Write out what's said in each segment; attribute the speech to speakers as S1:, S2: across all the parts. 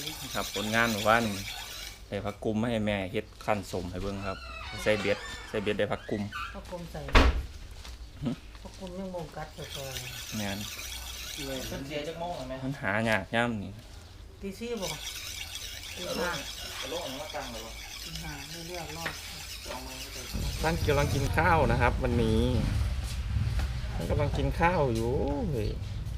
S1: ครับผลงานว่านี่ได้ผักกุมให้แม่เฮ็ดขั้นสมให้เบิ่งครับใส่เบ็ดได้ผักกุม
S2: ผักกุมใส่ผักกุมยังบ่กัดซอย
S1: แม่น
S3: เลยเป็นเสียจักโมงไหม
S1: มันหายากย่ำนี่
S2: ตีซี่บ่ตีห้าก
S3: ระโหลกอันนี้มาตั้งหรอ
S2: ตีห้าไม่เลือกรอด
S1: ท่านกำลังกินข้าวนะครับ วันนี้ท่านกำลังกินข้าวอยู่เฮ้ย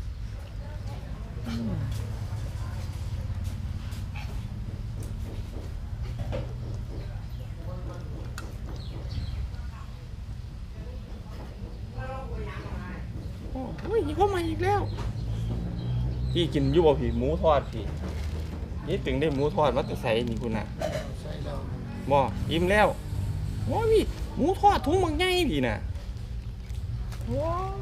S1: โอ้ยเข้ามาอีกแล้วพี่กินอยู่บ่พี่หมูทอดพี่นี่ถึงได้หมูทอดมาแต่ใส่นี่คุณน่ะบ่อิ่มแล้วโอ้ยพี่หมูทอดถุงบางใหญ่พี่น่ะว้าว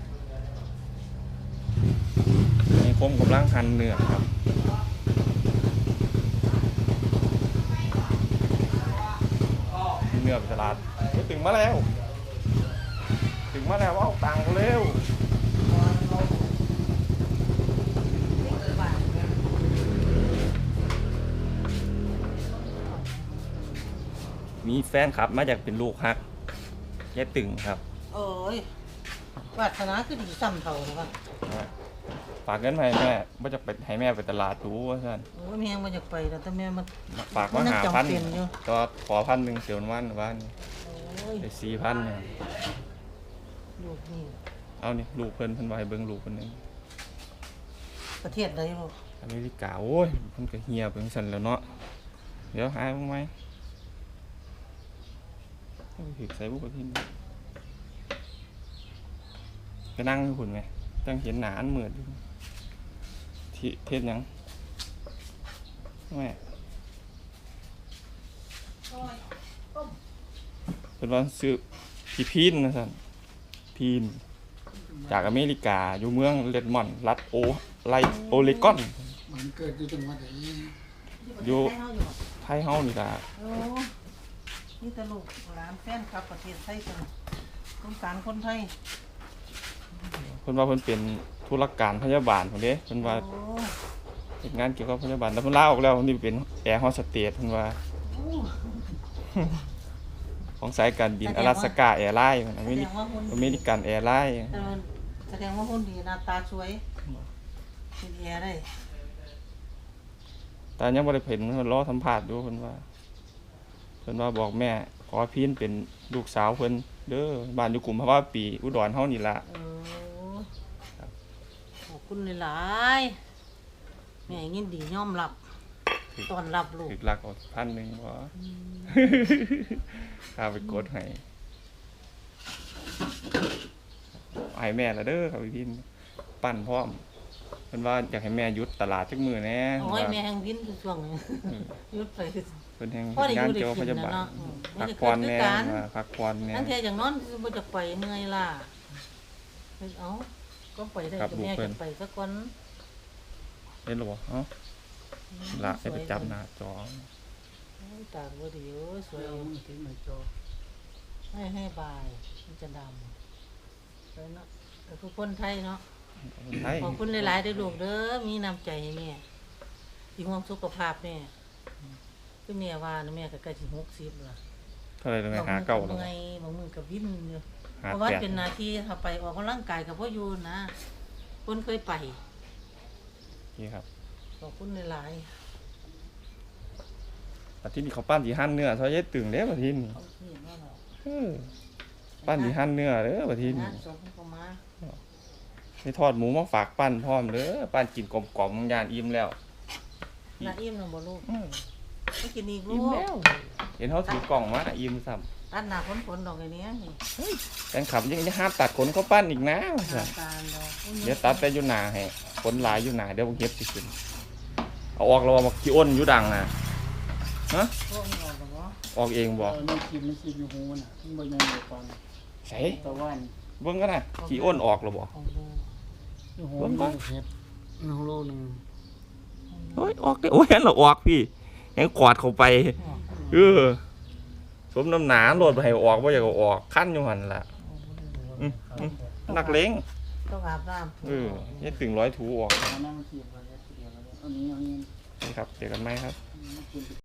S1: นี่ผมกำลังหั่นเนื้อครับเนื้อไปตลาดถึงมาแล้วว่าเอาตังค์เร็วมีแฟนครับมาจากเป็นลูกฮักแย่ตึงครับ
S2: โอ้ยวาสนาคือดีซ้ำเท่าครับ
S1: ฝากเงินมาให้แม่ว่าจะไปให้แม่ไปตลาดดูว่าท่าน
S2: โอ้ยแม่บ่อยากไปแล้วแต่แม่มัน
S1: ฝากมา
S2: มันยัง
S1: 5,000
S2: จำเป็นอยู่
S1: ก็ขอ1,000เสียววันบ้าน
S2: โอ้ย
S1: ได้4,000เนี่ย
S2: ลูกนี่
S1: เอานี่ลูกเพิ่นว่าให้เบิ่งลูกเพิ่นนึง
S2: ประเทศใดลูก
S1: อเมริกาโอ้ยเพิ่นก็เฮียเพิ่นสั่นแล้วเนาะเดี๋ยวหายบ้างไหมถึกใส่บุกที่นี่ก็นั่งอยู่หุ่นไงตั้งเห็นหนาอันเหมือนอยู่ที่เทศยังแม่เป็นว่าซื้อพี่พีนนะท่านพีนจากอเมริกาอยู่เมืองเรดมอนด์รัฐโอเลกอน
S4: มันเกิดอยู่จังหวัดไหน
S1: อยู่
S2: ให้เฮาอยู่บ่
S1: ไทยเฮานี่ล่ะ
S2: โอ้นี่แต่ลูกหลานแฟนครับประเทศไทยเพิ่นสงสารคนไทย
S1: เพิ่นว่าเพิ่นเป็นธุรการพยาบาลพุ่นเด้เพิ่นว่า
S2: โอ้
S1: เฮ็ดงานเกี่ยวกับพยาบาลแต่เพิ่นลาออกแล้วเพิ่นนี่เป็นแอร์โฮสเตสเพิ่นว่า
S2: โอ้
S1: ของสายการบินอลาสก้าแอร์ไลน์อ
S2: แส
S1: เม
S2: ด
S1: ริ
S2: งว่าหุ่น
S1: อเมริกันแอร์ไลน์
S2: แสดงว่าหุ่นดีหน้าตาสวยเป็นแอร์ได้
S1: แต่ยังบ่ได้เห็นเพิ่นรอสัมภาษณ์อยู่เพิ่นว่าบอกแม่ขอพินเป็นลูกสาวเพิ่นเด้อบ้านอยู่กุมภาวะปีอุดรเฮานี่ล่ะ
S2: โอ้ขอบคุณหลายๆแม่ยินดียอมรับต้อนรับลูก
S1: ถึกหลักเอา1,000บ่ข้าไปกดให้ให้แม่ละเด้อครับพี่พินปั้นพร้อมเพิ่นว่าอยากให้แม่หยุดตลาดจักมื้อแหน่
S2: โอ้ยแม่แห่งวินทุกช่วงนี้หยุดไป
S1: เพิ่นแห่ง
S2: พ่อได้
S1: งาน
S2: อยู่ได้
S1: เกี่ยวกับพ
S2: กิน
S1: ยาบาล
S2: นะเนาะ
S1: พักผ่อนแน่
S2: มันจะเกิดคือกัน
S1: ว่าพักผ่อนแน่
S2: นั่นเทียอย่างนอนบ่จะไปเมื่อยล่ะเอ้าก็ไปได้แต่แม่จะไปสักวัน
S1: เห็นหรอบ่เอ้าละให้ไปจับหน้าจอ
S2: ตากบ่ดีโอ้ยสวย
S4: เรามันถึงในจอ
S2: ให้บายมันจะดำเลยเนาะแต่ทุกคนไทยเนาะ
S1: คนไทย
S2: ขอบคุณหลายๆเด้อลูกเด้อมีน้ำใจให้แม่ที่ห่วงสุขภาพแม่คือแม่ว่านะแม่ก็ใกล้สิ60ล่ะ
S1: เท่าไหร่เลยหาเก่าแล้ว
S2: บางมือก็วิ่นอยู่
S1: หา
S2: เพราะว่า
S1: แปด
S2: เป็นหน้าที่ถ้าไปออกกำลังกายกับพ่ออยู่นะคนเคยไป
S1: นี่ครับ
S2: ขอบคุณหลาย
S1: อาทิตย์นี้เขาปั้นที่หั่นเนื้อซอยยายตึงเด้ออาทิตย์นี้
S2: ๆเอาเสียงว่าเรา
S1: เออปั้นที่หั่นเนื้อเด้ออาทิตย์
S2: งา
S1: นี้
S2: นศพเขามา
S1: มีทอดหมูมาฝากปั้นพร้อมเด้อปั้นกินกลมๆย่านอิ่มแล้ว
S2: น่าอิ่มนะบ่ลูก
S1: อือ
S2: ไม่กินอีกลู
S1: อิ่ม
S2: ก
S1: แล้วเห็นเฮาถือกล่องมาอิ่มซ้ำ
S2: ตัดหน้าฝนๆดอกไอ้เนี้ยนี่
S1: แฟนคลับยังจะห้ามตัดขนเขาปั้นอีกนะว่า
S2: หน้า
S1: ซั่น
S2: ตาลดอก
S1: เดี๋ยวตัดแต่อยู่หน้าให้ขนหลายอยู่หน้าเดี๋ยวบ่เฮ็ดสิขึ้นเอาออกแล้วว่ามาขี้อ้นอยู่ดังน่ะฮะ
S2: พวกนี้ออกบ่
S1: ออกเองบ่
S4: ไม่คิดอยู่หูน่ะมันบ่ยังอยู่ก่อน
S1: ใส่
S4: ตะวัน
S1: เบิ่งกันน่ะขี้อ้นออกแล้วบ่
S2: ออกบ่
S4: อยู่หูมันเฮ็ดโลนึง
S1: โอ้ยออกเด้อโอ้ยเห็นแล้วออกพี่แฮงกอดเข้าไป
S2: ออก
S1: เออสมน้ำหนาโลดให้ออกบ่อยากเอาออกคันอยู่หั่นล่ะนักเลง
S2: ต้องอาบน้ำ
S1: เออเฮ็ดถึง100ถูออก
S4: อันนั้นมันคิดว่าเฮ็ดเดียวแล้วอันนี้
S1: ครับเจอกันไหมครับ
S4: คุณ